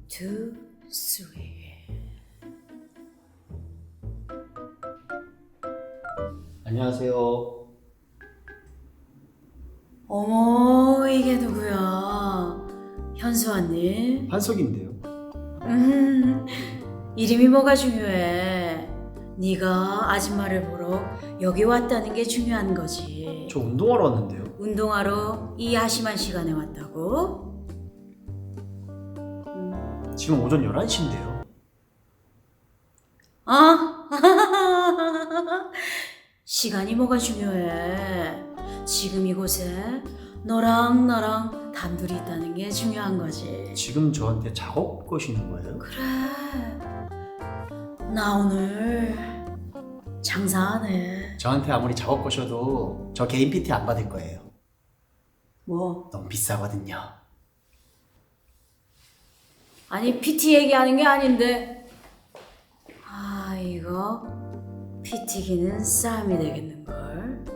two, three. 안녕하세요. 어머, 이게 누구야? 현수 언니? 한석인데요. 이름이 뭐가 중요해? 네가 아줌마를 보러 여기 왔다는 게 중요한 거지. 저 운동하러 왔는데요. 운동하러 이 야심한 시간에 왔다고? 지금 오전 11시인데요. 아, 시간이 뭐가 중요해? 지금 이곳에 너랑 나랑 단둘이 있다는 게 중요한 거지. 지금 저한테 작업 거시는 거예요? 그래, 나 오늘 장사하네. 저한테 아무리 작업 거셔도 저 개인 PT 안 받을 거예요. 뭐? 너무 비싸거든요. 아니 PT 얘기하는 게 아닌데. 아, 이거 PT기는 싸움이 되겠는걸.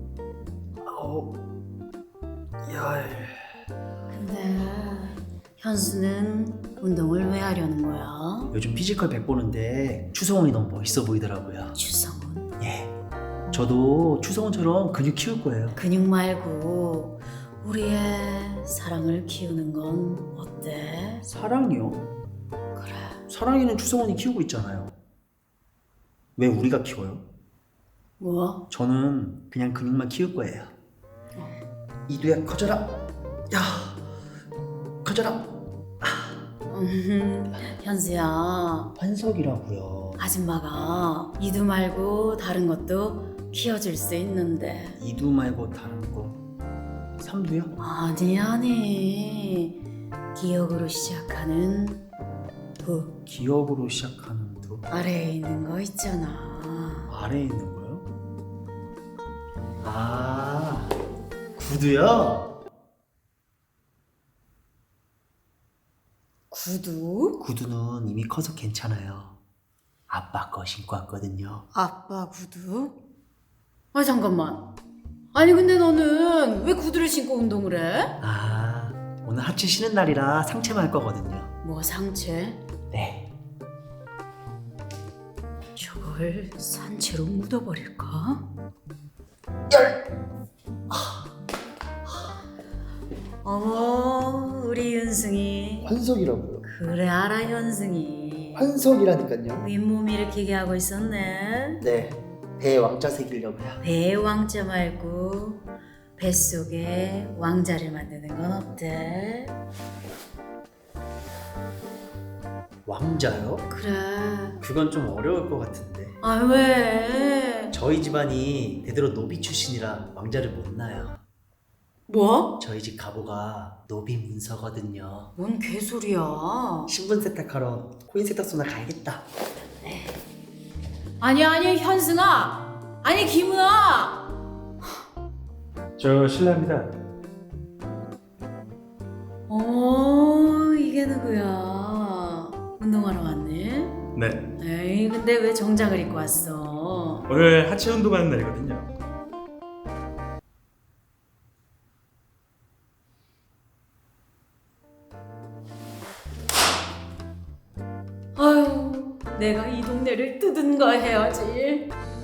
야, 근데 현수는 운동을 왜 하려는 거야? 요즘 피지컬 100 보는데 추성훈이 너무 멋있어 보이더라고요. 추성훈? 예. 저도 추성훈처럼 근육 키울 거예요. 근육 말고 우리의 사랑을 키우는 건 어때? 사랑이요? 그래. 사랑이는 추성훈이 키우고 있잖아요. 왜 우리가 키워요? 뭐? 저는 그냥 근육만 키울 거예요. 이두야 커져라. 야, 커져라. 현수야, 환석이라고요. 아줌마가 이두 말고 다른 것도 키워줄 수 있는데. 이두 말고 다른 거. 삼두요? 아니 기억으로 시작하는 부 기억으로 시작하는 두. 아래에 있는 거 있잖아. 아래에 있는 거요? 아, 구두요? 구두? 구두는 이미 커서 괜찮아요. 아빠 거 신고 왔거든요. 아빠 구두? 아 잠깐만. 아니 근데 너는 왜 구두를 신고 운동을 해? 아, 오늘 하체 쉬는 날이라 상체만 할 거거든요. 뭐 상체? 네. 저걸 산채로 묻어버릴까? 어머 우리 윤승이. 환석이라고요? 그래 알아 현승이. 환석이라니까요. 윗몸 일으키게 하고 있었네. 네, 배에 왕자 새기려고요. 배에 왕자 말고 뱃속에 왕자를 만드는 건 어때? 왕자요? 그래. 그건 좀 어려울 것 같은데. 아 왜? 저희 집안이 대대로 노비 출신이라 왕자를 못 낳아요. 뭐? 저희 집 가보가 노비 문서거든요. 뭔 개소리야. 신분 세탁하러 코인 세탁소나 가야겠다. 아니 현승아. 아니 김은아. 저 실례합니다. 이게 누구야? 운동하러 왔네? 네, 에이 근데 왜 정장을 입고 왔어? 오늘 하체 운동하는 날이거든요. 아유 내가 이 동네를 뜯은가 해야지.